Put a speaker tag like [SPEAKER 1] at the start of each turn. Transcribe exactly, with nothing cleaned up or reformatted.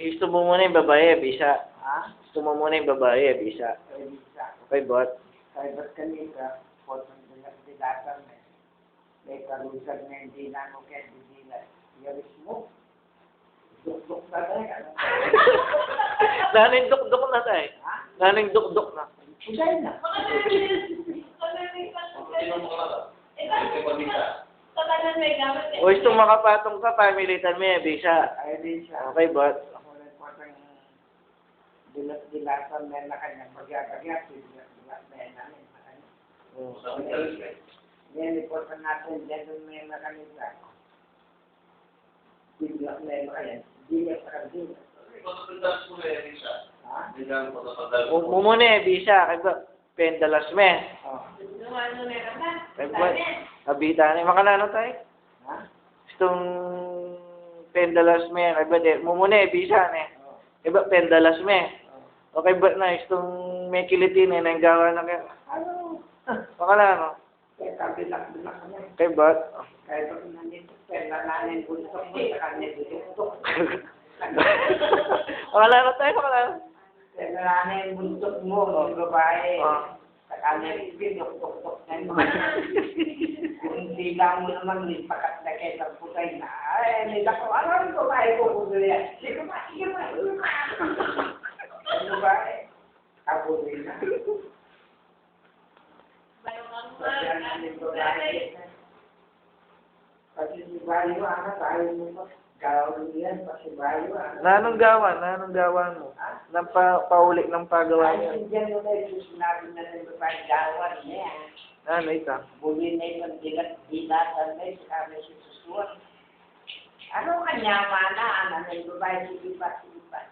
[SPEAKER 1] gusto mo muna yung babae, bisa.
[SPEAKER 2] Ha?
[SPEAKER 1] Gusto mo muna yung babae, bisa.
[SPEAKER 2] Kaya bisa.
[SPEAKER 1] Okay, bot?
[SPEAKER 2] Kaya ba't kanina, potong dilatan na. May kalusag na hindi na mo kaya didilat. Yaris mo. Duk-duk na tayo.
[SPEAKER 1] Naning duk-duk na tayo.
[SPEAKER 2] Ha?
[SPEAKER 1] Naning duk-duk na.
[SPEAKER 2] Pusay na.
[SPEAKER 1] O gusto makapatong ka, pamilitan mo yung bisa.
[SPEAKER 2] Kaya din siya.
[SPEAKER 1] Okay, bot?
[SPEAKER 2] Ako rin potong dilat-dilatan na na kanya. Pag-agagap, dilat-dilat na yan namin. Yan, ipotan natin dyan doon may makanisa. Dilat na yan kaya. Dilat sa kanila. Ha?
[SPEAKER 1] Mo muna eh, bisa. Kaya ba? Pendalas me.
[SPEAKER 2] Oh.
[SPEAKER 1] Kaya ba? Kabita na. Makanano tayo?
[SPEAKER 2] Ha?
[SPEAKER 1] Gustong pendalas me. Kaya ba? Mo muna eh, bisa ne.
[SPEAKER 2] Oh.
[SPEAKER 1] Kaya ba? Pendalas me.
[SPEAKER 2] Oh.
[SPEAKER 1] Okay ba na? Gustong may kilitin eh. Nanggawa na kayo.
[SPEAKER 2] Ano?
[SPEAKER 1] Makanano?
[SPEAKER 2] Kaya kabilak-bilak kami.
[SPEAKER 1] Kaya ba?
[SPEAKER 2] Kaya pag nandito, kaya nananin buntok mo sa kanya dito.
[SPEAKER 1] Makanano tayo? Makanano?
[SPEAKER 2] Kaya nananin buntok mo, mga babae.
[SPEAKER 1] Ah.
[SPEAKER 2] Sa kanya pinok-tok-tok na yun. Kung hindi lang mo naman, may pakat na kayo sa putay na. Ay, may dako. Ano ang babae ko kung gano'n yan? Sige ba? Sige ba? Ang babae. Kabuloy na. Kasi ang babae. Kasi si Bayo, anak, tayo mo pa. Gawin yan, kasi Bayo, anak.
[SPEAKER 1] Nanong gawan? Nanong gawan mo? Nang pa, paulik ng pagawa niya.
[SPEAKER 2] Ay, hindi mo na yung sinabi na rin babae, gawan niya.
[SPEAKER 1] Ano ito?
[SPEAKER 2] Buli na yung dilat-dilatan na yung kami si Susuan. Ano kanya mana, anak ng babae, sige pa, sige pa.